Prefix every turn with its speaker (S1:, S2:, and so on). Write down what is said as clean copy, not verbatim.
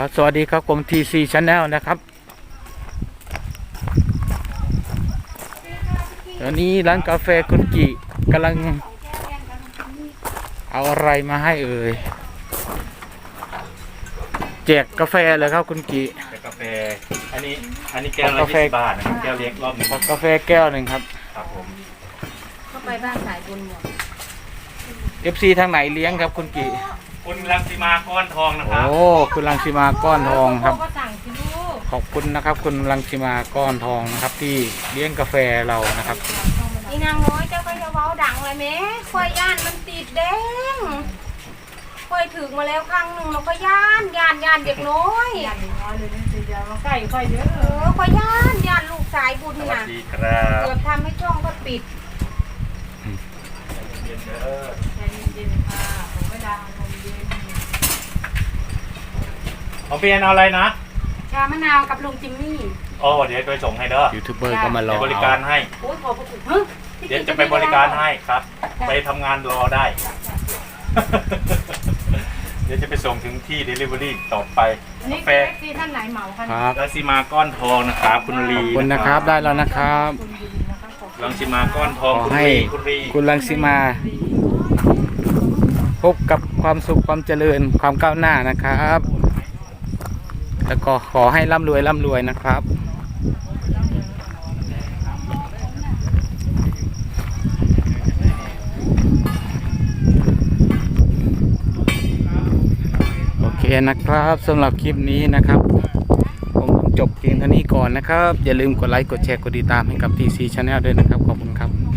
S1: ครับสวัสดีครับผม TC Channel นะครับตอนนี้ร้านกาแฟคุณกิกำลังเอาอะไรมาให้เอ่ยแจกกาแฟเลยครับคุณกิ
S2: แต่กาแฟอันนี้แก้วละ20 บาทนะครับแก้วเล็กรอบนึง
S1: กาแฟแก้วหนึ่งครับ
S2: ครับผม
S3: เข้าไปบ้านสายบุญหมด
S1: FC ทางไหนเลี้ยงครับคุณกิ
S2: คุณรังสีมาก้อนทองนะครับ
S1: โอ้คุณรังสีมาก้อนทองครับ
S3: ก็สั่งสิลูก
S1: ขอบคุณนะครับคุณรังสีมาก้อนทองนะครับที่เลี้ยงกาแฟเรานะครับ
S3: อีนางน้อยเจ้าก็จะเว้าดังเลยแม่ควายย่านมันติดแดงควายถึงมาแล้วครั้งหนึ่งเราก็ย่านเด็กน้อยย่านน้อยเลยนี่สิเดียวมาใกล้ควายเยอะควายย่านลูกสายบุญ
S2: สวัส
S3: น่ะ
S2: ดีครับ
S3: เกือบทำให้ช่องก็ปิด
S2: เย็นเด้อ
S3: ใจเย็นๆค่ะผมไม่ดังลมเย็น
S2: ของพี่แอนเอาอะไรนะ
S3: ชามะนาวกับลุงจิมมี่
S2: โอ้เดี๋ยวไปส่งให้เด้อ
S1: ยูทูบเบอร์ก็มารอ
S2: ไปบริการให้
S3: โอ้ยขอบคุณฮะ
S2: เดี๋ยวจะไปบริการให้ครับ ไปทำงานรอได้ เดี๋ยวจะไปส่งถึงที่ Delivery ต่อไป
S3: นี่
S2: กาแฟ
S3: ที่ท่านไหนเหมาคะ
S1: ครับ
S2: รังสีมาก้อนทองนะครับคุณลี
S1: ขอบคุณนะครับได้แล้วนะครับ
S3: คุณยินนะคะขอบคุณ
S2: รังสีมาก้อนทอง
S1: ขอ
S2: คุณ
S1: ให้
S2: ลีคุณลี
S1: คุณรังสีมาพบกับความสุขความเจริญความก้าวหน้านะครับแล้วก็ขอให้ร่ำรวยนะครับโอเคนะครับสำหรับคลิปนี้นะครับผมจบเพียงเท่านี้ก่อนนะครับอย่าลืมกดไลค์กดแชร์กดติดตามให้กับ TC Channel ด้วยนะครับขอบคุณครับ